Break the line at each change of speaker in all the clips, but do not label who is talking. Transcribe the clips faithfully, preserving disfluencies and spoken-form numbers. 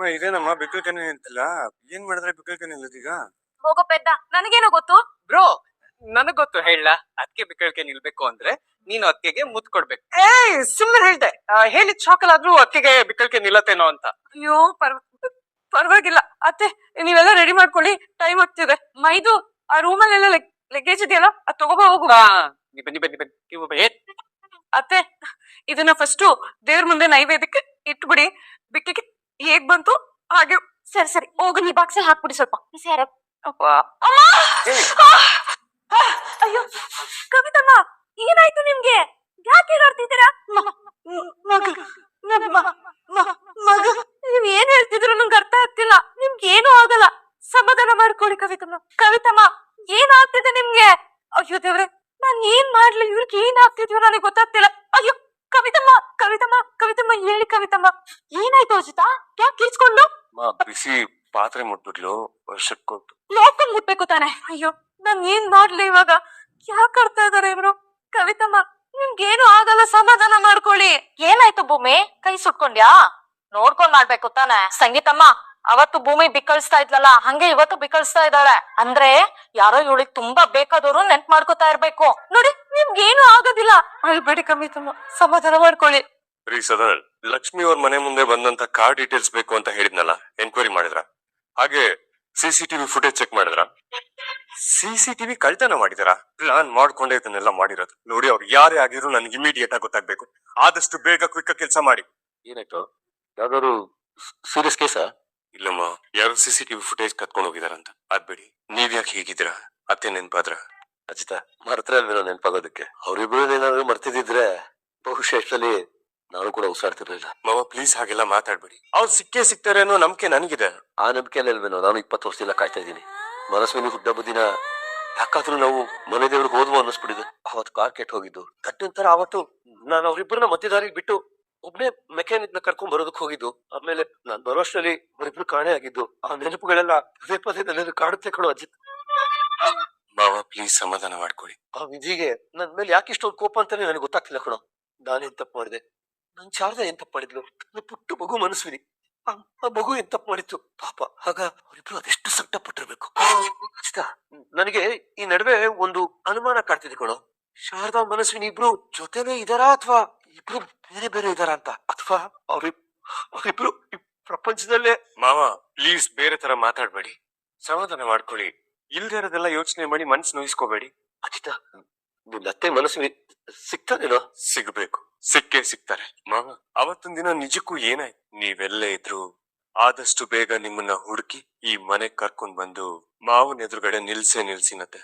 ಇದೇನಮ್ಮ ಬಿಕ್ಕಲ್ಕನೆ ನಿಂತಿಲ್ಲ. ಏನ್ ಮಾಡಿದ್ರೆ ಬಿಕ್ಕಲ್ಕನೆ ನಿಲ್ಲದೀಗ?
ಹೋಗೋ ಪೆದ್ದ, ನನಗೇನೋ ಗೊತ್ತು.
ಬ್ರೋ ನನಗ್ ಗೊತ್ತು ಹೇಳ. ಅದಕ್ಕೆ ಬಿಕ್ಕಳಿಕೆ ನಿಲ್ಬೇಕು ಅಂದ್ರೆ ನೀನು ಅಕ್ಕೆಗೆ ಮುತ್ ಕೊಡ್ಬೇಕು. ಏಯ್ ಸುಮ್ಮನೆ ಹೇಳ್ದೆ, ಹೇಳಿದ್ ಶಾಕಲ್ ಆದ್ರೂ ಅಕ್ಕೆಗೆ ಬಿಕ್ಕಳಿಕೆ ನಿಲ್ಲತ್ತೇನೋ ಅಂತ.
ಅಯ್ಯೋ ಪರ್ವ ಪರವಾಗಿಲ್ಲ ಅತ್ತೆ, ನೀವೆಲ್ಲ ರೆಡಿ ಮಾಡ್ಕೊಳ್ಳಿ, ಟೈಮ್ ಆಗ್ತಿದೆ. ಮೈದು ಆ ರೂಮಲ್ಲೆಲ್ಲ ಲಗೇಜ್ ಇದೆಯಲ್ಲ, ಅದ್ ತಗೋಬಾ ಹೋಗು.
ಬನ್ನಿ ಬನ್ನಿ ಬನ್ನಿ ಬನ್ನಿ.
ಅತ್ತೆ, ಇದನ್ನ ಫಸ್ಟು ದೇವ್ರ ಮುಂದೆ ನೈವೇದ್ಯಕ್ಕೆ ಇಟ್ಬಿಡಿ. ಬಿಕ್ಕಿಗೆ ಹೇಗ್ ಬಂತು ಹಾಗೆ. ಸರಿ ಸರಿ ಹೋಗು, ನೀ ಬಾಕ್ಸಲ್ಲಿ ಹಾಕ್ಬಿಡಿ ಸ್ವಲ್ಪ. ಸರಿ. ಅಪ್ಪ ಅಮ್ಮ, ಅಯ್ಯೋ ಕವಿತಮ್ಮ, ಏನಾಯ್ತು ನಿಮ್ಗೆ? ಯಾಕೆ ಹೇಗಾಡ್ತಿದ್ದೀರಾ? ಮಗ, ನೀವ್ ಏನ್ ಹೇಳ್ತಿದ್ರು ನಂಗೆ ಅರ್ಥ ಆಗ್ತಿಲ್ಲ. ನಿಮ್ಗೆ ಏನೂ ಆಗಲ್ಲ, ಸಮಾಧಾನ ಮಾಡ್ಕೊಳ್ಳಿ ಕವಿತಮ್ಮ. ಕವಿತಮ್ಮ, ಏನಾಗ್ತಿದೆ ನಿಮ್ಗೆ? ಅಯ್ಯೋ ದೇವ್ರೆ, ನಾನ್ ಏನ್ ಮಾಡ್ಲಿ? ಇವ್ರಿಗೆ ಏನ್ ಆಗ್ತಿದ್ಯೋ ನನಗೆ ಗೊತ್ತಾಗ್ತಿಲ್ಲ. ಅಯ್ಯೋ ಕವಿತಮ್ಮ, ಕವಿತಮ್ಮ, ಕವಿತಮ್ಮ ಹೇಳಿ ಕವಿತಮ್ಮ, ಏನಾಯ್ತು ಅಜಿತಾ? ಯಾಕೆ ಕಿರ್ಚ್ಕೊಂಡು?
ಬಿಸಿ ಪಾತ್ರೆ ಮುಟ್ಬಿಟ್ಲು, ವರ್ಷಕ್ಕೊಟ್ಟು
ಲೋಕಲ್ ಮುಟ್ಬೇಕು ತಾನೆ. ಅಯ್ಯೋ ನಾನ್ ಏನ್ ಮಾಡ್ಲಿ ಇವಾಗ? ಯಾಕೆ ಆಡ್ತಾ ಇದಾರೆ ಇವ್ರು? ಕವಿತಮ್ಮ, ನಿಮ್ಗೇನು ಆಗಲ್ಲ, ಸಮಾಧಾನ ಮಾಡ್ಕೊಳ್ಳಿ. ಏನಾಯ್ತು ಭೂಮಿ, ಕೈ ಸುಟ್ಕೊಂಡ್ಯಾ? ನೋಡ್ಕೊಂಡ್ ಮಾಡ್ಬೇಕು ತಾನೆ. ಸಂಗೀತಮ್ಮ, ಅವತ್ತು ಭೂಮಿ ಬಿಕ್ಕಳಿಸ್ತಾ ಇದ್ಲಲ್ಲ, ಹಂಗೆ ಇವತ್ತು ಬಿಕ್ಕಳಿಸ್ತಾ ಇದ್ದಾಳೆ. ಅಂದ್ರೆ ಯಾರೋ ಇವಳಿಗೆ ತುಂಬಾ ಬೇಕಾದವರು ನೆನ್ಪ್ ಮಾಡ್ಕೋತಾ ಇರ್ಬೇಕು. ನೋಡಿ, ನಿಮ್ಗೇನು ಆಗೋದಿಲ್ಲ. ಅಳ್ಬೇಡಿ ಕವಿತಮ್ಮ, ಸಮಾಧಾನ ಮಾಡ್ಕೊಳ್ಳಿ.
ರೀ ಸದರ್, ಲಕ್ಷ್ಮಿ ಅವ್ರ ಮನೆ ಮುಂದೆ ಬಂದಂತ ಕಾರ್ ಡೀಟೇಲ್ಸ್ ಬೇಕು ಅಂತ ಹೇಳಿದ್ನಲ್ಲ, ಎನ್ಕ್ವೈರಿ ಮಾಡಿದ್ರ? ಹಾಗೆ ಸಿಸಿಟಿವಿ ಫುಟೇಜ್ ಚೆಕ್ ಮಾಡಿದ್ರ? ಸಿಸಿಟಿವಿ ಕಳ್ತನ ಮಾಡಿದಾರ? ಪ್ಲಾನ್ ಮಾಡ್ಕೊಂಡೇ ಇದನ್ನೆಲ್ಲ ಮಾಡಿರೋದು. ನೋಡಿ, ಅವ್ರು ಯಾರೇ ಆಗಿದ್ರು ನನ್ಗೆ ಇಮಿಡಿಯೇಟ್ ಆಗಿ ಗೊತ್ತಾಗ್ಬೇಕು. ಆದಷ್ಟು ಬೇಗ ಕ್ವಿಕ್ ಕೆಲಸ ಮಾಡಿ.
ಏನಾಯ್ತು? ಯಾವ್ದಾದ್ರು ಸೀರಿಯಸ್ ಕೇಸಾ?
ಇಲ್ಲಮ್ಮ, ಯಾರು ಸಿಸಿಟಿವಿ ಫುಟೇಜ್ ಕತ್ಕೊಂಡು ಹೋಗಿದಾರಂತ. ಅದ್ಬೇಡಿ, ನೀವ್ ಯಾಕೆ ಹೀಗಿದ್ದೀರಾ? ಅತ್ತೆ ನೆನ್ಪಾದ್ರ?
ಅಜಿತ ಮರ್ತ್ರ ಅಲ್ವೇನೋ ನೆನ್ಪಾಗೋದಕ್ಕೆ. ಅವ್ರಿಬ್ರು ಏನಾದ್ರು ಮರ್ತಿದ್ರೆ ಬಹುಶಃ ಎಷ್ಟಲ್ಲಿ ನಾನು ಕೂಡ ಉಸಿರಾಡ್ತಿರ್ಲಿಲ್ಲ.
ಮಾವ ಪ್ಲೀಸ್ ಹಾಗೆಲ್ಲ ಮಾತಾಡ್ಬೇಡಿ. ಅವ್ರು ಸಿಕ್ಕೇ ಸಿಗ್ತಾರೆ ಅನ್ನೋ ನಂಬಿಕೆ ನನಗಿದೆ.
ಆ ನಂಬಿಕೆಯಲ್ಲಿ ಅಲ್ವೇನೋ ನಾನು ಇಪ್ಪತ್ತು ವರ್ಷದಿಂದ ಕಾಯ್ತಾ ಇದ್ದೀನಿ. ಮನಸ್ವಿನಿ ಹುಟ್ಟ ಬುದ್ದಿನ ಯಾಕಾದ್ರೂ ನಾವು ಮನೆ ದೇವ್ರಿಗೆ ಹೋದ್ವು ಅನ್ನಿಸ್ಬಿಟ್ಟಿದೆ. ಅವತ್ತು ಕಾರ್ ಕೆಟ್ಟ ಹೋಗಿದ್ದು ತಟ್ಟಂತರ. ಅವತ್ತು ನಾನು ಅವ್ರಿಬ್ಬರನ್ನ ಮಧ್ಯದಾರಿಗೆ ಬಿಟ್ಟು ಒಬ್ನೇ ಮೆಕ್ಯಾನಿಕ್ ನ ಕರ್ಕೊಂಡ್ ಬರೋದಕ್ಕೆ ಹೋಗಿದ್ದು. ಆಮೇಲೆ ನಾನ್ ಬರೋಷ್ಟರಲ್ಲಿ ಅವರಿಬ್ರು ಕಾಣೆ ಆಗಿದ್ದು. ಆ ನೆನಪುಗಳೆಲ್ಲ ಪದೇ ಪದೇ ನನ್ನ ಕಾಡುತ್ತೆ ಕಣೋ ಅಜಿತ್.
ಮಾವ ಪ್ಲೀಸ್ ಸಮಾಧಾನ ಮಾಡ್ಕೊಳ್ಳಿ.
ಆ ವಿಧಿಗೆ ನನ್ ಮೇಲೆ ಯಾಕೆ ಇಷ್ಟೊಂದು ಕೋಪ ಅಂತಾನೆ ನನಗೆ ಗೊತ್ತಾಗ್ತಿಲ್ಲ ಕಣೋ. ನಾನೇನ್ ತಪ್ಪು ಮಾಡಿದೆ? ನನ್ ಶಾರದಾ ಏನ್ ತಪ್ಪು ಮಾಡಿದ್ಲು? ನನ್ನ ಪುಟ್ಟು ಮಗು ಮನಸ್ವಿನಿ, ಆ ಮಗು ಏನ್ ತಪ್ಪು ಮಾಡಿತ್ತು ಪಾಪ. ಆಗ ಅವರಿಬ್ರು ಅದೆಷ್ಟು ಸಂಕಟ ಪಟ್ಟಿರ್ಬೇಕು. ನನಗೆ ಈ ನಡುವೆ ಒಂದು ಅನುಮಾನ ಕಾಡ್ತಿದೆ ಕಣೋ. ಶಾರದಾ ಮನಸ್ವಿನಿ ಇಬ್ರು ಜೊತೆನೇ ಇದಾರಾ ಅಥವಾ ಇಬ್ರು ಬೇರೆ ಬೇರೆ ಇದಾರ ಅಂತ? ಅಥವಾ ಅವ್ರಿ ಅವ್ರಿಬ್ರು ಈ ಪ್ರಪಂಚದಲ್ಲೇ?
ಮಾವ ಪ್ಲೀಸ್ ಬೇರೆ ತರ ಮಾತಾಡ್ಬೇಡಿ, ಸಮಾಧಾನ ಮಾಡ್ಕೊಳ್ಳಿ. ಇಲ್ದೇ ಇರೋದೆಲ್ಲ ಯೋಚನೆ ಮಾಡಿ ಮನ್ಸು ನೋಯಿಸ್ಕೋಬೇಡಿ.
ಅಜಿತ, ನಿನ್ನ ಅತ್ತೆ ಮನಸ್ವಿನಿ ಸಿಗ್ತಾನೇನೋ?
ಸಿಗ್ಬೇಕು, ಸಿಕ್ಕೇ ಸಿಗ್ತಾರೆ ಮಾವ. ಅವತ್ತೊಂದ್ ದಿನ ನಿಜಕ್ಕೂ ಏನಾಯ್ತು? ನೀವೆಲ್ಲೇ ಇದ್ರು ಆದಷ್ಟು ಬೇಗ ನಿಮ್ಮನ್ನ ಹುಡುಕಿ ಈ ಮನೆಗ್ ಕರ್ಕೊಂಡ್ ಬಂದು ಮಾವನ ಎದುರುಗಡೆ ನಿಲ್ಸೆ ನಿಲ್ಸಿನತ್ತೆ.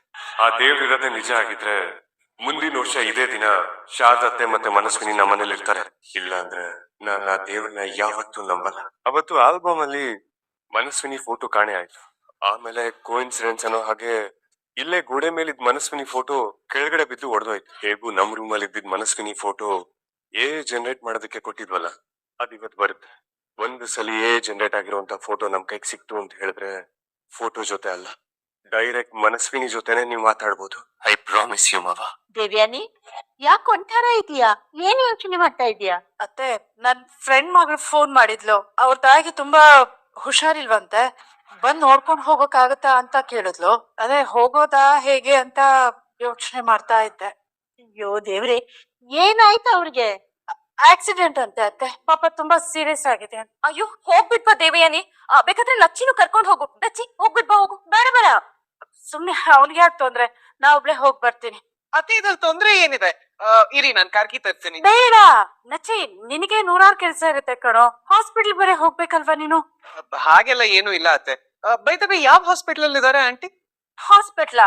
ಆ ದೇವ್ರಿರೋದೇ ನಿಜ ಆಗಿದ್ರೆ ಮುಂದಿನ ವರ್ಷ ಇದೇ ದಿನ ಶಾರದತ್ತೆ ಮತ್ತೆ ಮನಸ್ವಿನಿ ನಮ್ಮ ಮನೇಲಿ ಇರ್ತಾರೆ. ಇಲ್ಲ ಅಂದ್ರೆ ನಾನು ಆ ದೇವ್ರನ್ನ ಯಾವತ್ತೂ ನಂಬಲ್ಲ. ಅವತ್ತು ಆಲ್ಬಮ್ ಅಲ್ಲಿ ಮನಸ್ವಿನಿ ಫೋಟೋ ಕಾಣೆ ಆಯ್ತು. ಆಮೇಲೆ ಕೋಇನ್ಸಿಡೆನ್ಸ್ ಅನ್ನೋ ಹಾಗೆ ಇಲ್ಲೇ ಗೋಡೆ ಮೇಲಿದ್ ಮನಸ್ವಿನಿ ಫೋಟೋ ಕೆಳಗಡೆ ಬಿದ್ದು ಒಡೆದೋಯ್ತು. ಹೇಗೂ ನಮ್ ರೂಮ್ ಅಲ್ಲಿ ಇದ್ದಿದ್ ಮನಸ್ವಿನಿ ಫೋಟೋ ಎ ಜನರೇಟ್ ಮಾಡೋದಕ್ಕೆ ಕೊಟ್ಟಿದ್ವಲ್ಲ, ಅದ್ ಇವತ್ ಬರುತ್ತೆ. ಒಂದು ಸಲ ಎ ಜನರೇಟ್ ಆಗಿರುವಂತ ಫೋಟೋ ನಮ್ ಕೈಗೆ ಸಿಕ್ತು ಅಂತ ಹೇಳಿದ್ರೆ ಫೋಟೋ ಜೊತೆ ಅಲ್ಲ, ಡೈರೆಕ್ಟ್ ಮನಸ್ವಿನಿ ಜೊತೆನೆ ನೀವು ಮಾತಾಡ್ಬೋದು. ಐ ಪ್ರಾಮಿಸ್ ಯು ಮಾವ.
ದೇವ್ಯಾನಿ, ಯಾಕೆ ಒಂಥರ ಇದೀಯಾ? ಏನ್ ಯೋಚನೆ ಮಾಡ್ತಾ ಇದೀಯಾ?
ಅತ್ತೆ, ನನ್ ಫ್ರೆಂಡ್ ಮಗಳು ಫೋನ್ ಮಾಡಿದ್ಲು. ಅವ್ರ ತಾಯಿಗೆ ತುಂಬಾ ಹುಷಾರಿಲ್ವಂತೆ, ಬಂದ್ ನೋಡ್ಕೊಂಡ್ ಹೋಗಕ್ಕಾಗತ್ತಾ ಅಂತ ಕೇಳಿದ್ಲು. ಅದೇ ಹೋಗೋದಾ ಹೇಗೆ ಅಂತ ಯೋಚನೆ ಮಾಡ್ತಾ ಇದ್ದೆ.
ಅಯ್ಯೋ ದೇವ್ರೆ, ಏನಾಯ್ತು ಅವ್ರಿಗೆ?
ಆಕ್ಸಿಡೆಂಟ್ ಅಂತೆ ಅತ್ತೆ, ಪಾಪ ತುಂಬಾ ಸೀರಿಯಸ್ ಆಗಿದೆ. ಅಯ್ಯೋ ಹೋಗ್ಬಿಟ್ಬಾ ದೇವಯಾನಿ, ಬೇಕಾದ್ರೆ ಲಚ್ಚಿನೂ ಕರ್ಕೊಂಡ್ ಹೋಗು. ಲಚ್ಚಿ ಹೋಗ್ಬಿಟ್ಬಾ, ಹೋಗು. ಬೇಡ ಬೇಡ, ಸುಮ್ನೆ ಅವ್ನಿಗೆ ಯಾಕೆ ತೊಂದ್ರೆ, ನಾ ಒಬ್ಳೆ ಹೋಗ್ ಬರ್ತೀನಿ.
ಅತ್ತೆ ಇದ್ರಲ್ಲಿ ತೊಂದ್ರೆ ಏನಿದೆ? ಇರಿ ನಾನ್ ಕಾರ್ಕಿ ತರ್ತೀನಿ.
ಬೇಡ ನಚ್ಚಿ, ನಿನಗೆ ನೂರಾರು ಕೆಲ್ಸ ಇರುತ್ತೆ ಕಣೋ. ಹಾಸ್ಪಿಟಲ್ ಬರೀ ಹೋಗ್ಬೇಕಲ್ವಾ ನೀನು?
ಹಾಗೆಲ್ಲ ಏನು ಇಲ್ಲ ಅತ್ತೆ. ಬೈತಬಿ ಯಾವ ಹಾಸ್ಪಿಟಲ್ ಅಲ್ಲಿ ಇದಾರೆ ಆಂಟಿ?
ಹಾಸ್ಪಿಟ್ಲಾ?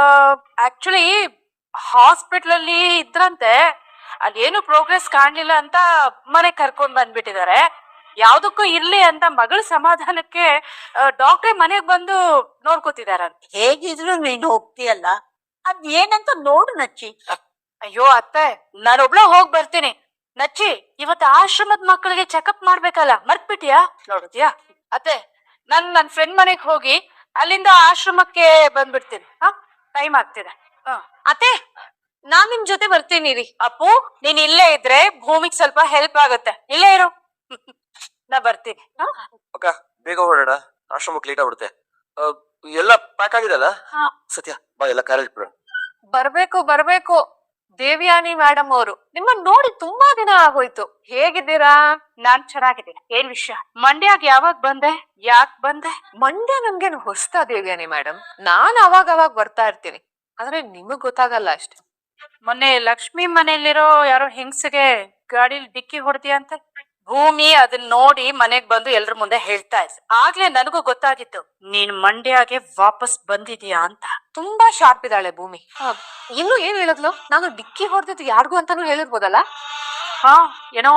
ಆಕ್ಚುಲಿ ಹಾಸ್ಪಿಟಲ್ ಅಲ್ಲಿ ಇದ್ರಂತೆ, ಅಲ್ಲಿ ಏನು ಪ್ರೋಗ್ರೆಸ್ ಕಾಣ್ಲಿಲ್ಲ ಅಂತ ಮನೆ ಕರ್ಕೊಂಡ್ ಬಂದ್ಬಿಟ್ಟಿದ್ದಾರೆ. ಯಾವ್ದಕ್ಕೂ ಇರ್ಲಿ ಅಂತ ಮಗಳ ಸಮಾಧಾನಕ್ಕೆ ಡಾಕ್ಟ್ರೇ ಮನೆಗ್ ಬಂದು ನೋಡ್ಕೋತಿದಾರಂತ.
ಹೇಗಿದ್ರು ನೀನು ಹೋಗ್ತೀಯಲ್ಲ, ಅದ್ ಏನಂತ ನೋಡು ನಚ್ಚಿ.
ಅಯ್ಯೋ ಅತ್ತೆ, ನಾನೊಬ್ಳ ಹೋಗ್ ಬರ್ತೀನಿ. ನಚ್ಚಿ, ಇವತ್ತು ಆಶ್ರಮದ ಮಕ್ಕಳಿಗೆ ಚೆಕಪ್ ಮಾಡ್ಬೇಕಲ್ಲ, ಮರ್ತ್ಬಿಟ್ಟಿಯಾ? ನೋಡಿದ್ಯಾ ಅತ್ತೆ, ನಾನ್ ನನ್ ಫ್ರೆಂಡ್ ಮನೆಗ್ ಹೋಗಿ ಅಲ್ಲಿಂದ ಆಶ್ರಮಕ್ಕೆ ಬಂದ್ಬಿಡ್ತೀನಿ. ಹ ಟೈಮ್ ಆಗ್ತಿದೆ. ಅತ್ತೆ, ನಾನ್ ನಿಮ್ ಜೊತೆ ಬರ್ತೀನಿ ರೀ. ಅಪ್ಪು, ನೀನ್ ಇಲ್ಲೇ ಇದ್ರೆ ಭೂಮಿಗ್ ಸ್ವಲ್ಪ ಹೆಲ್ಪ್ ಆಗತ್ತೆ. ಇಲ್ಲೇ ಇರು. ನಾ ಬರ್ತೀನಿ ಹ?
ಅಕ್ಕ ಬೇಗ ಹೊರಡೋಣ, ಆಶ್ರಮಕ್ಕೆ ಲೇಟ್ ಆಗ್ಬಿಡುತ್ತೆ. ಆ, ಎಲ್ಲ ಪ್ಯಾಕ್ ಆಗಿದೆ ಅಲ್ಲ?
ಹಾ.
ಸತ್ಯ ಬಾ, ಎಲ್ಲ ಕಾರಲ್ಲಿ ಇಟ್ಬಿಡೋಣ.
ಬರ್ಬೇಕು ಬರ್ಬೇಕು ದೇವ್ಯಾನಿ ಮೇಡಮ್ ಅವರು ನಿಮ್ಮನ್ನ ನೋಡಿ ತುಂಬಾ ದಿನ ಆಗೋಯ್ತು. ಹೇಗಿದ್ದೀರಾ? ನಾನ್ ಚೆನ್ನಾಗಿದ್ದೀನಿ. ಏನ್ ವಿಷಯ? ಮಂಡ್ಯಾಗ್ ಯಾವಾಗ ಬಂದೆ? ಯಾಕ್ ಬಂದೆ? ಮಂಡ್ಯ ನಮ್ಗೇನು ಹೊಸ್ತಾ ದೇವ್ಯಾನಿ ಮೇಡಮ್? ನಾನ್ ಅವಾಗ ಅವಾಗ ಬರ್ತಾ ಇರ್ತೀನಿ, ಆದ್ರೆ ನಿಮಗ್ ಗೊತ್ತಾಗಲ್ಲ ಅಷ್ಟೇ. ಮೊನ್ನೆ ಲಕ್ಷ್ಮಿ ಮನೆಯಲ್ಲಿರೋ ಯಾರೋ ಹೆಂಗ್ಸಿಗೆ ಗಾಡಿಲಿ ಡಿಕ್ಕಿ ಹೊಡೆದಿಯಂತೆ. ಭೂಮಿ ಅದನ್ನ ನೋಡಿ ಮನೆಗ್ ಬಂದು ಎಲ್ರ ಮುಂದೆ ಹೇಳ್ತಾ ಇದ್ದೆ. ಆಗ್ಲೇ ನನಗೂ ಗೊತ್ತಾಗಿತ್ತು ನೀನ್ ಮಂಡ್ಯಗೆ ವಾಪಸ್ ಬಂದಿದೀಯಾ ಅಂತ. ತುಂಬಾ ಶಾರ್ಪ್ ಇದ್ದಾಳೆ ಭೂಮಿ. ಹ, ಇನ್ನು ಏನ್ ಹೇಳಿದ್ಲು? ನಾನು ಡಿಕ್ಕಿ ಹೊಡೆದಿದ್ದು ಯಾರಿಗೂ ಅಂತಾನು ಹೇಳಿರ್ಬೋದಲ್ಲ. ಹಾ, ಏನೋ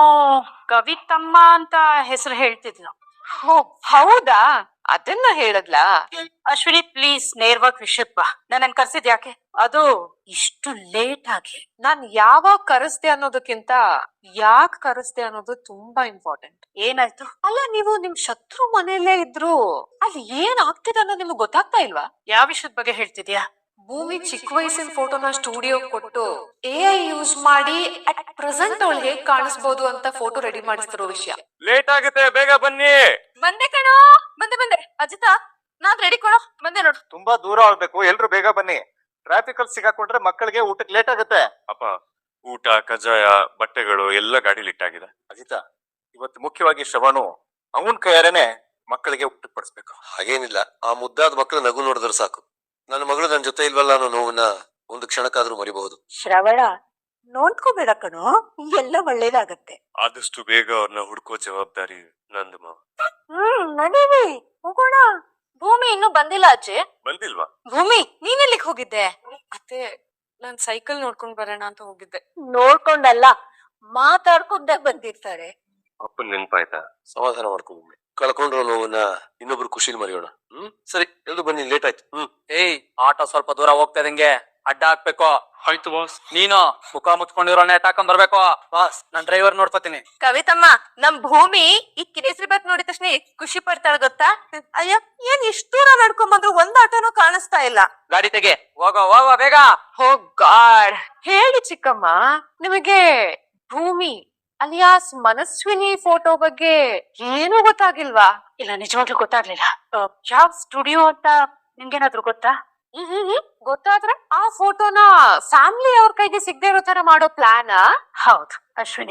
ಕವಿತಮ್ಮ ಅಂತ ಹೆಸರು ಹೇಳ್ತಿದ್ಲು. ಹೋ ಹೌದಾ, ಅದನ್ನ ಹೇಳದ್ಲಾ? ಅಶ್ವಿನಿ ಪ್ಲೀಸ್ ನೇರವಾಗಿ ವಿಷಯಕ್ ಬಾ. ನನ್ನ ಕರ್ಸಿದ್ ಯಾಕೆ? ಅದು ಇಷ್ಟು ಲೇಟ್ ಆಗಿ ನಾನ್ ಯಾವಾಗ ಕರೆಸ್ದೆ ಅನ್ನೋದಕ್ಕಿಂತ ಯಾಕೆ ಕರೆಸ್ದೆ ಅನ್ನೋದು ತುಂಬಾ ಇಂಪಾರ್ಟೆಂಟ್. ಏನಾಯ್ತು? ಅಲ್ಲ, ನೀವು ನಿಮ್ ಶತ್ರು ಮನೆಯಲ್ಲೇ ಇದ್ರು ಅಲ್ಲಿ ಏನ್ ಆಗ್ತಿದೆ ಅನ್ನೋದು ನಿಮ್ಗೆ ಗೊತ್ತಾಗ್ತಾ ಇಲ್ವಾ? ಯಾವ ವಿಷಯದ ಬಗ್ಗೆ ಹೇಳ್ತಿದ್ಯಾ? ಭೂಮಿ ಚಿಕ್ಕ ವಯಸ್ಸಿನ ಫೋಟೋನ ಸ್ಟುಡಿಯೋ ಕೊಟ್ಟು ಎ ಐ ಯೂಸ್ ಮಾಡಿ ಅಟ್ ಪ್ರೆಸೆಂಟ್ ಅವಳು ಹೇಗ್ ಕಾಣಿಸ್ಬೋದು ಅಂತ ಫೋಟೋ ರೆಡಿ ಮಾಡಿಸ್ತಿರೋ ವಿಷಯ.
ಲೇಟ್ ಆಗುತ್ತೆ, ಬೇಗ ಬನ್ನಿ.
ಬಂದೆ ಕಣೋ, ಬಂದೆ ಬಂದೆ. ಅಜಿತಾ, ನಾನ್ ರೆಡಿ ಕಣೋ, ಬಂದೆ ನೋಡು.
ತುಂಬಾ ದೂರ ಹೋಗ್ಬೇಕು, ಎಲ್ರು ಬೇಗ ಬನ್ನಿ. ಟ್ರಾಫಿಕ್ ಅಲ್ಲಿ ಸಿಗಾಕೊಂಡ್ರೆ ಮಕ್ಕಳಿಗೆ ಊಟಕ್ಕೆ ಲೇಟ್ ಆಗುತ್ತೆ.
ಅಪ್ಪ, ಊಟ, ಕಜಾಯ, ಬಟ್ಟೆಗಳು ಎಲ್ಲ ಗಾಡಿಲಿ ಇಟ್ಟಾಗಿದೆ.
ಅಜಿತಾ, ಇವತ್ತು ಮುಖ್ಯವಾಗಿ ಶ್ರವಣು ಅವನ್ ಕೈಯಾರೇನೆ ಮಕ್ಕಳಿಗೆ ಊಟಕ್ಕೆ ಪಡಿಸ್ಬೇಕು.
ಹಾಗೇನಿಲ್ಲ, ಆ ಮುದ್ದಾದ ಮಕ್ಕಳು ನಗು ನೋಡಿದ್ರೆ ಸಾಕು. ನನ್ನ ಮಗಳು ನನ್ನ ಜೊತೆ ಇಲ್ವಲ್ಲ ಅನ್ನೋ ನೋವನ್ನ ಒಂದು ಕ್ಷಣಕ್ಕಾದ್ರೂ ಮರಿಬಹುದು.
ಶ್ರವಣ, ನೋಡ್ಕೋಬೇಡ ಕಣೋ, ಎಲ್ಲ ಒಳ್ಳೇದಾಗತ್ತೆ.
ಆದಷ್ಟು ಬೇಗ ಅವ್ರನ್ನ ಹುಡ್ಕೋ ಜವಾಬ್ದಾರಿ ನಂದು ಮಾವ.
ಹ್ಮ್, ನಡೀರಿ ಹೋಗೋಣ. ಭೂಮಿ ಇನ್ನೂ ಬಂದಿಲ್ಲ ಅಜ್ಜಿ.
ಬಂದಿಲ್ವಾ?
ಭೂಮಿ, ನೀನೆಲ್ಲಿಗೆ ಹೋಗಿದ್ದೆ? ಅತ್ತೆ, ನಾನ್ ಸೈಕಲ್ ನೋಡ್ಕೊಂಡ್ ಬರೋಣ ಅಂತ ಹೋಗಿದ್ದೆ.
ನೋಡ್ಕೊಂಡಲ್ಲ, ಮಾತಾಡ್ಕೊಂಡೇ ಬಂದಿರ್ತಾರೆ.
ಅಪ್ಪನ್ ನೆನ್ಪಾಯ್ತಾ?
ಸಮಾಧಾನ ಮಾಡ್ಕೊಂಡು ಕಳ್ಕೊಂಡ್ರೋ ನೋವನ್ನ ಇನ್ನೊಬ್ರು ಖುಷಿಲಿ ಮರೆಯೋಣ. ಹ್ಮ್, ಸರಿ, ಎಲ್ರು ಬನ್ನಿ, ಲೇಟ್ ಆಯ್ತು. ಹ್ಮ್.
ಏಯ್, ಆಟೋ ಸ್ವಲ್ಪ ದೂರ ಹೋಗ್ತಾ ಇದಂಗೆ ಅಡ್ಡ ಹಾಕ್ಬೇಕು.
ಆಯ್ತು ಬಾಸ್.
ನೀನು ಮುಖ ಮುಚ್ಕೊಂಡಿರೋ ನೆಟ್ ಹಾಕೊಂಡ್ ಬರ್ಬೇಕು. ಬಾಸ್, ನಾನ್ ಡ್ರೈವರ್ ನೋಡ್ಕೋತೀನಿ.
ಕವಿತಮ್ಮ, ನಮ್ ಭೂಮಿ ಈ ಕೇಸರಿ ಬಾತ್ ನೋಡಿದ ತಕ್ಷಣ ಎಷ್ಟ್ ಖುಷಿ ಪಡ್ತಾಳ ಗೊತ್ತಾ? ಅಯ್ಯ, ಏನ್ ಇಷ್ಟು ದೂರ ನಡ್ಕೊಂಡ್ ಬಂದ್ರು ಒಂದ್ ಆಟೋನು ಕಾಣಿಸ್ತಾ ಇಲ್ಲ.
ಗಾಡಿ ತೆಗೆ, ಹೋಗೋ ಹೋಗೋ ಬೇಗ.
ಹೋ ಗಾಡ್. ಹೇಳಿ ಚಿಕ್ಕಮ್ಮ, ನಿಮಗೆ ಭೂಮಿ ಅಲಿಯಾಸ್ ಮನಸ್ವಿನಿ ಫೋಟೋ ಬಗ್ಗೆ ಏನೂ ಗೊತ್ತಾಗಿಲ್ವಾ? ಇಲ್ಲ, ನಿಜವಾಗ್ಲೂ ಗೊತ್ತಾಗ್ಲಿಲ್ಲ. ಆ, ಯಾವ ಸ್ಟುಡಿಯೋ ಅಂತ ನಿಮ್ಗೇನಾದ್ರು ಗೊತ್ತಾ? ಹ್ಮ್ ಗೊತ್ತಾದ್ರೆ ಆ ಫೋಟೋನ ಫ್ಯಾಮಿಲಿ ಅವ್ರ ಕೈಗೆ ಸಿಗದೆ ಇರೋ ತರ ಮಾಡೋ ಪ್ಲಾನ್. ಹೌದು ಅಶ್ವಿನಿ,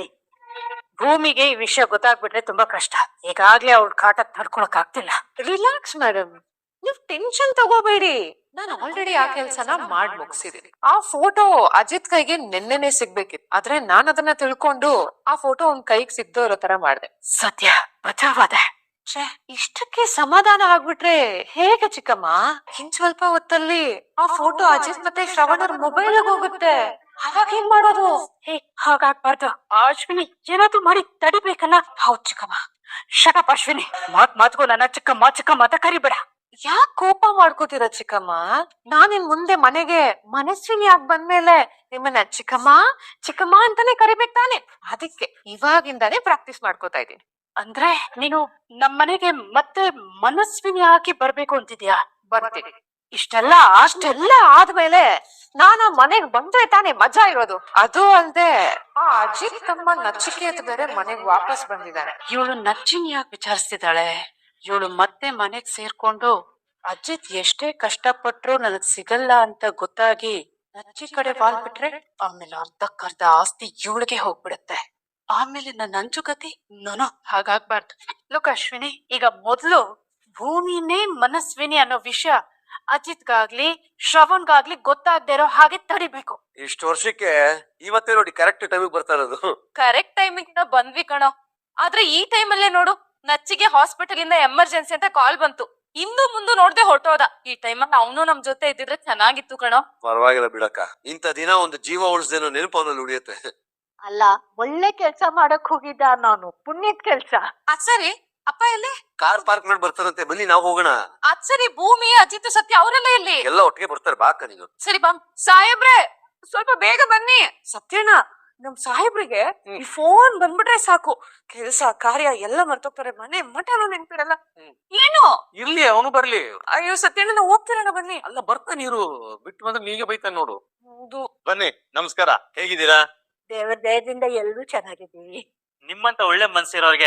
ಭೂಮಿಗೆ ಈ ವಿಷಯ ಗೊತ್ತಾಗ್ಬಿಟ್ರೆ ತುಂಬಾ ಕಷ್ಟ. ಈಗಾಗ್ಲೇ ಅವ್ಳ ಕಾಟ ತಡ್ಕೊಳಕ್ ಆಗ್ತಿಲ್ಲ. ರಿಲ್ಯಾಕ್ಸ್ ಮೇಡಮ್, ನೀವ್ ಟೆನ್ಷನ್ ತಗೋಬೇಡಿ. ನಾನು ಆಲ್ರೆಡಿ ಆ ಕೆಲ್ಸನ ಮಾಡ್ ಮುಗಿಸಿದೀನಿ. ಆ ಫೋಟೋ ಅಜಿತ್ ಕೈಗೆ ನೆನ್ನೆನೆ ಸಿಗ್ಬೇಕಿತ್ತು, ಆದ್ರೆ ನಾನ್ ಅದನ್ನ ತಿಳ್ಕೊಂಡು ಆ ಫೋಟೋ ಅವ್ನ್ ಕೈಗೆ ಸಿಗ್ದೋ ಇರೋ ತರ ಮಾಡ್ದೆ. ಸದ್ಯ ಬಚಾವಾದೆ. ಛೇ, ಇಷ್ಟಕ್ಕೆ ಸಮಾಧಾನ ಆಗ್ಬಿಟ್ರೆ ಹೇಗೆ ಚಿಕ್ಕಮ್ಮ? ಇನ್ ಸ್ವಲ್ಪ ಹೊತ್ತಲ್ಲಿ ಆ ಫೋಟೋ ಅಜಿತ್ ಮತ್ತೆ ಶ್ರವಣರ್ ಮೊಬೈಲ್ ಹೋಗುತ್ತೆ. ಅವಾಗ ಏನ್ ಮಾಡೋದು? ಹೇ, ಹಾಗಾಗ್ಬಾರ್ದು ಅಶ್ವಿನಿ, ಏನಾದ್ರು ಮಾಡಿ ತಡಿಬೇಕಲ್ಲ. ಹೌದ್ ಚಿಕ್ಕಮ್ಮ. ಶಟಪ್ ಅಶ್ವಿನಿ, ಮಾತ್ ಮಾತ್ಗೂ ನನ್ನ ಚಿಕ್ಕಮ್ಮ ಚಿಕ್ಕಮ್ಮ ಅಂತ ಕರಿಬೇಡ. ಯಾಕ್ ಕೋಪ ಮಾಡ್ಕೋತೀರ ಚಿಕ್ಕಮ್ಮ? ನಾನಿನ್ ಮುಂದೆ ಮನೆಗೆ ಮನಸ್ವಿನಿ ಆಗ್ ಬಂದ್ಮೇಲೆ ನಿಮ್ಮನ್ನ ಚಿಕ್ಕಮ್ಮ ಚಿಕ್ಕಮ್ಮ ಅಂತಾನೆ ಕರಿಬೇಕು ತಾನೆ. ಅದಕ್ಕೆ ಇವಾಗಿಂದಾನೇ ಪ್ರಾಕ್ಟೀಸ್ ಮಾಡ್ಕೋತಾ ಇದ್ದೀನಿ. ಅಂದ್ರೆ ನೀನು ನಮ್ಮನೆಗೆ ಮತ್ತೆ ಮನಸ್ವಿನಿ ಆಗಿ ಬರ್ಬೇಕು ಅಂತಿದ್ಯಾ? ಬರ್ತೀನಿ. ಇಷ್ಟೆಲ್ಲ ಅಷ್ಟೆಲ್ಲ ಆದ್ಮೇಲೆ ನಾನು ಮನೆಗ್ ಬಂದ್ರೆ ತಾನೇ ಮಜಾ ಇರೋದು. ಅದು ಅಲ್ದೆ ಆ ಅಜಿತ್ ತಮ್ಮ ನಚಿಕೇತ್ ಬೇರೆ ಮನೆಗ್ ವಾಪಸ್ ಬಂದಿದ್ದಾನೆ. ಇವಳು ನಚ್ಚಿನ ಯಾಕೆ ವಿಚಾರಿಸ್ತಿದ್ದಾಳೆ? ಇವಳು ಮತ್ತೆ ಮನೆಗ್ ಸೇರ್ಕೊಂಡು ಅಜಿತ್ ಎಷ್ಟೇ ಕಷ್ಟಪಟ್ರು ನನಗ್ ಸಿಗಲ್ಲ ಅಂತ ಗೊತ್ತಾಗಿ ನಚ್ಚಿ ಕಡೆ ವಾಲ್ ಬಿಟ್ರೆ ಆಮೇಲೆ ಅರ್ಧಕ್ಕರ್ಧ ಆಸ್ತಿ ಇವಳಿಗೆ ಹೋಗ್ಬಿಡುತ್ತೆ. ಆಮೇಲೆ ನನ್ನ ಅಂಚುಗತಿ ನೋನೋ, ಹಾಗಾಗ್ಬಾರ್ದು. ಲೋಕ ಅಶ್ವಿನಿ, ಈಗ ಮೊದ್ಲು ಭೂಮಿನೇ ಮನಸ್ವಿನಿ ಅನ್ನೋ ವಿಷಯ ಅಜಿತ್ಗಾಗ್ಲಿ ಶ್ರವಣ್ಗಾಗ್ಲಿ ಗೊತ್ತಾಗ್ದೇ ಇರೋ ಹಾಗೆ ತಡಿಬೇಕು.
ಇಷ್ಟು ವರ್ಷಕ್ಕೆ ಇವತ್ತೇ ನೋಡಿ ಕರೆಕ್ಟ್ ಟೈಮಿಗೆ ಬರ್ತಾ ಇರೋದು.
ಕರೆಕ್ಟ್ ಟೈಮಿಂಗ್ ಬಂದ್ವಿ ಕಣೋ. ಆದ್ರೆ ಈ ಟೈಮಲ್ಲೇ ನೋಡು, ನಚ್ಚಿಗೆ ಹಾಸ್ಪಿಟಲ್ ಇಂದ ಎಮರ್ಜೆನ್ಸಿ ಅಂತ ಕಾಲ್ ಬಂತು. ಇಂದು ಮುಂದೆ ನೋಡ್ದೆ ಹೊರಟೋದ. ಈ ಟೈಮಲ್ಲಿ ಅವನು ನಮ್ ಜೊತೆ ಇದ್ದಿದ್ರೆ ಚೆನ್ನಾಗಿತ್ತು ಕಣೋ.
ಪರವಾಗಿಲ್ಲ ಬಿಡಕ್ಕ, ಇಂಥ ದಿನ ಒಂದು ಜೀವ ಉಳಿಸ್ದೇನೋ ನೆನಪು ಅವನಲ್ಲಿ ಉಳಿಯುತ್ತೆ.
ಅಲ್ಲ, ಒಳ್ಳೆ ಕೆಲ್ಸ ಮಾಡಕ್ ಹೋಗಿದ್ದ ನಾನು, ಪುಣ್ಯದ ಕೆಲ್ಸ.
ಅದ್ ಸರಿ, ಅಪ್ಪ ಎಲ್ಲಿ?
ಕಾರ್ ಪಾರ್ಕ್ ಮಾಡಿ ಬರ್ತಾರಂತೆ, ಬನ್ನಿ ನಾವು ಹೋಗೋಣ.
ಅದ್ ಸರಿ, ಭೂಮಿ ಅಜಿತ್ ಸತ್ಯ ಅವರೆಲ್ಲ ಇಲ್ಲಿ?
ಎಲ್ಲ ಒಟ್ಟಿಗೆ ಬರ್ತಾರೆ, ಬಾಕ ನೀನು.
ಸರಿ ಬಾ. ಸಾಹೇಬ್ರೆ, ಸ್ವಲ್ಪ ಬೇಗ ಬನ್ನಿ. ಸತ್ಯಣ್ಣ, ನಮ್ ಸಾಹೇಬ್ರಿಗೆ ಈ ಫೋನ್ ಬಂದ್ಬಿಟ್ರೆ ಸಾಕು, ಕೆಲ್ಸ ಕಾರ್ಯ ಎಲ್ಲ ಮರ್ತೋಗ್ತಾರೆ. ಮನೆ ಮಠನೂ ನೆನ್ಪಿರಲ್ಲ. ಏನು?
ಇರ್ಲಿ, ಅವನು ಬರ್ಲಿ.
ಅಯ್ಯೋ ಸತ್ಯಣ್ಣ, ಹೋಗ್ತಿರೋಣ ಬನ್ನಿ.
ಅಲ್ಲ, ಬರ್ತಾನೆ ಇರು. ಬಿಟ್ಟು ಬಂದ್ರೆ ನೀಗೆ ಬೈತಾನೆ ನೋಡು.
ಹೌದು.
ಬನ್ನಿ, ನಮಸ್ಕಾರ. ಹೇಗಿದ್ದೀರಾ?
ದೇವರ ದಯದಿಂದ ಎಲ್ಲರೂ ಚೆನ್ನಾಗಿದ್ದೀವಿ.
ನಿಮ್ಮಂತ ಒಳ್ಳೆ ಮನ್ಸಿರೋರ್ಗೆ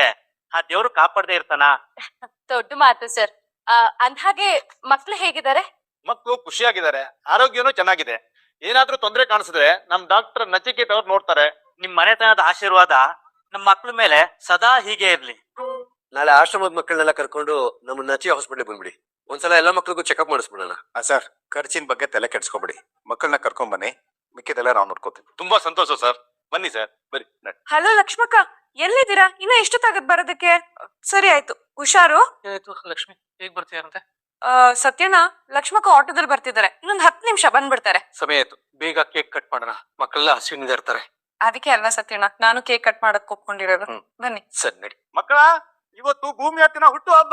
ಆ ದೇವ್ರು ಕಾಪಾಡದೆ ಇರ್ತಾನ.
ದೊಡ್ಡ ಮಾತು ಸರ್. ಅಂದ್ಹಾಗೆ ಮಕ್ಳು ಹೇಗಿದ್ದಾರೆ?
ಮಕ್ಕಳು ಖುಷಿಯಾಗಿದ್ದಾರೆ, ಆರೋಗ್ಯನೂ ಚೆನ್ನಾಗಿದೆ. ಏನಾದ್ರೂ ತೊಂದರೆ ಕಾಣಿಸಿದ್ರೆ ನಮ್ ಡಾಕ್ಟರ್ ನಚಿಕೇತ್ ಅವ್ರು ನೋಡ್ತಾರೆ.
ನಿಮ್ ಮನೆತನದ ಆಶೀರ್ವಾದ ನಮ್ ಮಕ್ಳ ಮೇಲೆ ಸದಾ ಹೀಗೆ ಇರ್ಲಿ.
ನಾಳೆ ಆಶ್ರಮದ ಮಕ್ಕಳನ್ನೆಲ್ಲ ಕರ್ಕೊಂಡು ನಮ್ಮ ನಚಿ ಹಾಸ್ಪಿಟಲ್ ಬಂದ್ಬಿಡಿ. ಒಂದ್ಸಲ ಎಲ್ಲಾ ಮಕ್ಳಿಗೂ ಚೆಕಪ್ ಮಾಡಿಸ್ಬಿಡೋಣ.
ಸರ್, ಖರ್ಚಿನ ಬಗ್ಗೆ ತಲೆ ಕೆಡ್ಸ್ಕೊಬೇಡಿ. ಮಕ್ಕಳನ್ನ ಕರ್ಕೊಂಡ್ ಬನ್ನಿ, ಮಿಕ್ಕಿದೆಲ್ಲ ನಾವು ನೋಡ್ಕೋತೀವಿ. ತುಂಬಾ ಸಂತೋಷ ಸರ್. ಬನ್ನಿ ಸರ್, ಬನ್ನಿ.
ಹಲೋ ಲಕ್ಷ್ಮಕ್ಕ, ಎಲ್ಲಿದ್ದೀರಾ? ಇನ್ನ ಎಷ್ಟೊತ್ತಾಗತ್ ಬರೋದಕ್ಕೆ? ಸರಿ ಆಯ್ತು, ಹುಷಾರು.
ಏನಾಯ್ತು ಲಕ್ಷ್ಮಿ, ಹೇಗ್ ಬರ್ತೀಯಾರಂತೆ?
ಆ, ಸತ್ಯಣ್ಣ, ಲಕ್ಷ್ಮಕ್ಕ ಆಟೋದಲ್ಲಿ ಬರ್ತಿದ್ದಾರೆ, ಇನ್ನೊಂದ್ ಹತ್ತು ನಿಮಿಷ ಬಂದ್ಬಿಡ್ತಾರೆ.
ಸಮಯ ಆಯ್ತು, ಬೇಗ ಕೇಕ್ ಕಟ್ ಮಾಡೋಣ. ಮಕ್ಕಳೆಲ್ಲ ಹಸಿವಿನಿಂದ ಇರ್ತಾರೆ.
ಅದಕ್ಕೆ ಅಲ್ವಾ ಸತ್ಯಣ್ಣ ನಾನು ಕೇಕ್ ಕಟ್ ಮಾಡಕ್ ಒಪ್ಕೊಂಡಿರೋದು. ಬನ್ನಿ.
ಸರಿ ನಡಿ.
ಮಕ್ಕಳ, ಇವತ್ತು ಭೂಮಿ ಹತ್ತಿನ ಹುಟ್ಟು ಹಬ್ಬ.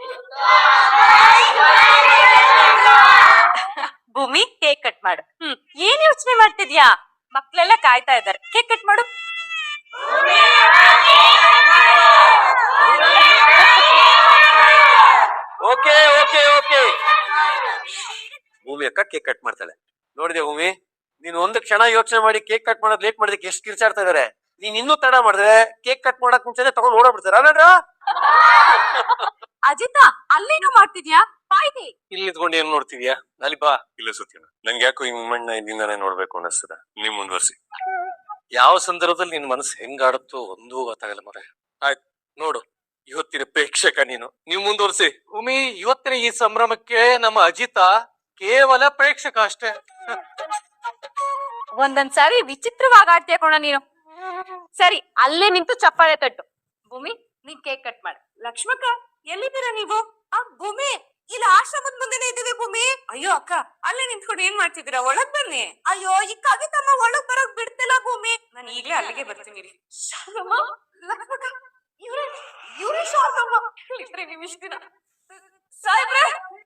ಭೂಮಿ, ಕೇಕ್ ಕಟ್ ಮಾಡು. ಹ್ಮ್ ಏನ್ ಯೋಚನೆ ಮಾಡ್ತಿದ್ಯಾ? ಮಕ್ಳೆಲ್ಲ ಕಾಯ್ತಾ ಇದ್ದಾರೆ, ಕೇಕ್ ಕಟ್ ಮಾಡು.
ಓಕೆ ಓಕೆ ಓಕೆ ಭೂಮಿ ಅಕ್ಕ ಕೇಕ್ ಕಟ್ ಮಾಡ್ತಾಳೆ. ನೋಡಿದೆ ಭೂಮಿ, ನೀನ್ ಒಂದು ಕ್ಷಣ ಯೋಚನೆ ಮಾಡಿ ಕೇಕ್ ಕಟ್ ಮಾಡೋದ್ ಲೇಟ್ ಮಾಡಿದಕ್ಕೆ ಎಷ್ಟು ಕಿರ್ಚಾಡ್ತಾ ಇದಾರೆ. ನೀನ್ ಇನ್ನೂ ತಡ ಮಾಡಿದ್ರೆ ಕೇಕ್ ಕಟ್ ಮಾಡಕ್ ಮುಂಚೆನೆ ತಗೊಂಡ್ ಓಡಾಡ್ಬಿಡ್ತಾರ ಅಲ್ಲಾಡ್ರ?
ಅಜಿತಾ, ಅಲ್ಲೇನೋ ಮಾಡ್ತಿದ್ಯಾ? ಬಾಯ್ದೆ.
ಇಲ್ಲಿ ಇದ್ಕೊಂಡು ಏನ್ ನೋಡ್ತಿದ್ಯಾ? ಅಲ್ಲಿ ಬಾ.
ಇಲ್ಲ ಸತ್ಯಣ್ಣ, ನಂಗೆ ಯಾಕೋ ಈ ಮೂಮೆಂಟ್ ನ ಇಲ್ಲಿಂದಾನೇ ನೋಡ್ಬೇಕು ಅನ್ನಿಸ್ತದ. ನೀವ್ ಮುಂದುವರ್ಸಿ.
ಯಾವ ಸಂದರ್ಭದಲ್ಲಿ ನಿನ್ ಮನಸ್ಸು ಹೆಂಗಾಡುತ್ತೋ ಒಂದೂ ಗೊತ್ತಾಗಲ್ಲ ಮರ. ಆಯ್ತು ನೋಡು, ಇವತ್ತಿನ ಪ್ರೇಕ್ಷಕ ನೀನು. ನೀವು ಮುಂದುವರಿಸಿ. ಭೂಮಿ, ಇವತ್ತಿನ ಈ ಸಂಭ್ರಮಕ್ಕೆ ನಮ್ಮ ಅಜಿತ ಕೇವಲ ಪ್ರೇಕ್ಷಕ ಅಷ್ಟೇ.
ಒಂದೊಂದ್ಸಾರಿ ವಿಚಿತ್ರವಾಗಿ ಆಡ್ತೀಯ ಕೋಣ ನೀನು. ಸರಿ, ಅಲ್ಲೇ ನಿಂತು ಚಪ್ಪಾಳೆ ತಟ್ಟು. ಭೂಮಿ, ನೀನ್ ಕೇಕ್ ಕಟ್ ಮಾಡು. ಲಕ್ಷ್ಮಕ್ಕ, ಎಲ್ಲಿದ್ದೀರಾ ನೀವು? ಆ ಭೂಮಿ, ಇಲ್ಲಿ ಆಶ್ರಮದ ಮುಂದೆನೆ ಇದ್ದೀವಿ ಭೂಮಿ. ಅಯ್ಯೋ ಅಕ್ಕ, ಅಲ್ಲೇ ನಿಂತ್ಕೊಂಡು ಏನ್ ಮಾಡ್ತಿದ್ದೀರಾ? ಒಳಗ್ ಬನ್ನಿ. ಅಯ್ಯೋ, ಈ ಕವಿತಮ್ಮ ಒಳಗ್ ಬರೋಕ್ ಬಿಡ್ತಿಲ್ಲ ಭೂಮಿ. ನಾನು ಈಗ್ಲೇ ಅಲ್ಲಿಗೆ ಬರ್ತೀನಿ. ಶಾರದಮ್ಮ, ಲಕ್ಷ್ಮಕ್ಕ, ಇವ್ರೆ ಇವ್ರೆ ಶಾರದಮ್ಮ. ಇಲ್ಲಿದ್ರೆ ನಿಮಿಷ ದಿನ ಸಾಯ್ಬ್ರೆ.